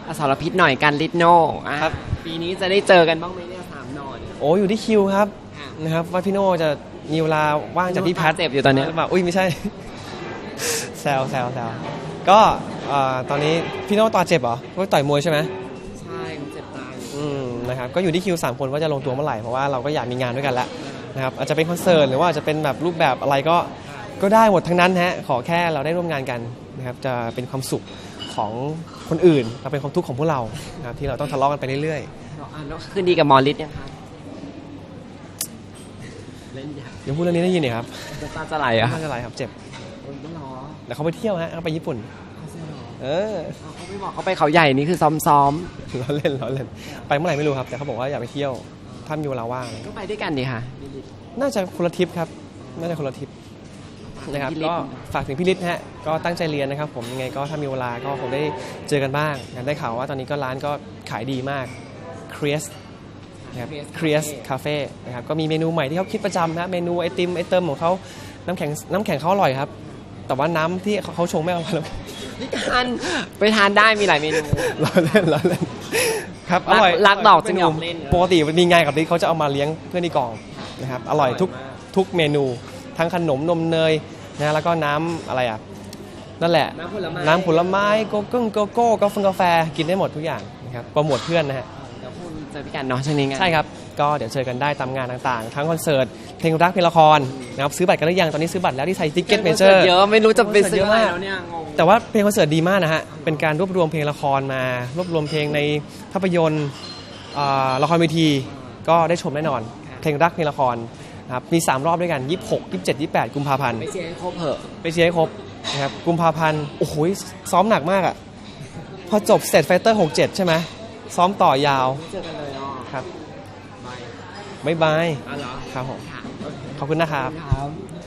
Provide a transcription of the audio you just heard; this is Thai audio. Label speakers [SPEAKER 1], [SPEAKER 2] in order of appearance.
[SPEAKER 1] อสรพิษหน่อยกันลิทโน่ครับปีนี้จะได้เจอกันบ้างไหมเนี่ย3 หน่อเนี่ย
[SPEAKER 2] โอ้อยู่ที่คิวครับนะครับว่าพี่โน่จะมีเวลาว่างจากพี่แพท
[SPEAKER 1] เจ็บอยู่ตอนนี้
[SPEAKER 2] หรือเปล่าอุ้ยไม่ใช่ แซวก็ตอนนี้พี่โน่ต่อเจ็บเหรอก็ต่อยมวยใช่ไหม
[SPEAKER 1] ใช่เจ็บตาย
[SPEAKER 2] นะครับก็อยู่ที่คิว3 คนว่าจะลงตัวเมื่อไหร่เพราะว่าเราก็อยากมีงานด้วยกันแล้วนะครับอาจจะเป็นคอนเสิร์ตหรือว่าอาจจะเป็นแบบรูปแบบอะไรก็ได้หมดทั้งนั้นฮะขอแค่เราได้ร่วมงานกันนะครับจะเป็นความสุขของคนอื่นเราเป็นความทุกข์ของพวกเรานะครับที่เราต้องทะเลาะกันไปเรื่อย
[SPEAKER 1] ๆแล้วคืนดีกับหมอฤทธิ์ยังคะเล่นยา
[SPEAKER 2] เดี๋ยวพูดเรื่องนี้ได้ยินเนี่ยครับ
[SPEAKER 1] ตาจะไหลอ่ะ
[SPEAKER 2] ตาจะไหลครับเจ็บ
[SPEAKER 1] ไม่หรอ
[SPEAKER 2] เดี๋ยวเขาไปเที่ยวฮะเขาไปญี่ปุ่น
[SPEAKER 1] เขาไม่บอกเขาไปเขาใหญ่นี่คือซ้อม
[SPEAKER 2] ล้อเล่นไปเมื่อไหร่ไม่รู้ครับแต่เขาบอกว่าอยากไปเที่ยวถ้ามีเวลาว่าง
[SPEAKER 1] ก็ไปด้วยกันดีค่ะ
[SPEAKER 2] น่าจะคนละทริปครับน่าจะคนละทริปนะครับก็ฝากถึงพี่ฤทธิ์ฮะก็ตั้งใจเรียนนะครับผมยังไงก็ถ้ามีเวลาก็คงได้เจอกันบ้างได้ข่าวว่าตอนนี้ก็ร้านก็ขายดีมากเครียสนะครับเครียสคาเฟ่นะครับก็มีเมนูใหม่ที่เขาคิดประจำนะเมนูไอติมไอเติมของเขาน้ำแข็งเขาอร่อยครับแต่ว่าน้ำที่เขาชงไม่อร่อย
[SPEAKER 1] พี่การไปทานได้มีหลายเมนู
[SPEAKER 2] ล้อเล่นครับอร่อย
[SPEAKER 1] รักดอกจึงหยอกเล่น
[SPEAKER 2] ปกติมีงานกับฤทธิ์เขาจะเอามาเลี้ยงเพื่อนที่กองนะครับอร่อยทุกเมนูทั้งขนมนมเนยนะแล้วก็น้ำอะไรอ่ะนั่นแหละน้ำผลไม้โกโก้กาแฟกินได้หมดทุกอย่างนะครับโปรโมทเพื่อนนะฮะ
[SPEAKER 1] เดี๋ยวคุณเจอพี่กันเนาะช่วงนี้ไง
[SPEAKER 2] ใช่ครับก็เดี๋ยวเจอกันได้ตามงานต่างๆทั้งคอนเสิร์ตเพลงรักเพลงละครนะครับซื้อบัตรกันหรือยังตอนนี้ซื้อบัตรแล้วที่ไทยทิกเก็ตเมเจอร์
[SPEAKER 1] เยอะไม่รู้จะไปซื้ออะไรแล้วเนี่ยงง
[SPEAKER 2] แต่ว่าเพลงคอนเสิร์ตดีมากนะฮะเป็นการรวบรวมเพลงละครมารวบรวมเพลงในภาพยนตร์ละครเวทีก็ได้ชมแน่นอนเพลงรักเพลงละครครับมี3 รอบด้วยกัน26 27 28กุมภาพันธ์
[SPEAKER 1] ไปเชียร์ให้ครบเหอะ
[SPEAKER 2] ไปเชียร์ให้ครบนะครับกุมภาพันธ์โอ้โหซ้อมหนักมากอ่ะพอจบเสร็จไฟเตอร์67ใช่ไหมซ้อมต่อยาว
[SPEAKER 1] เจอกันเลย
[SPEAKER 2] ครับบ๊ายบายครับผมขอบคุณนะครับ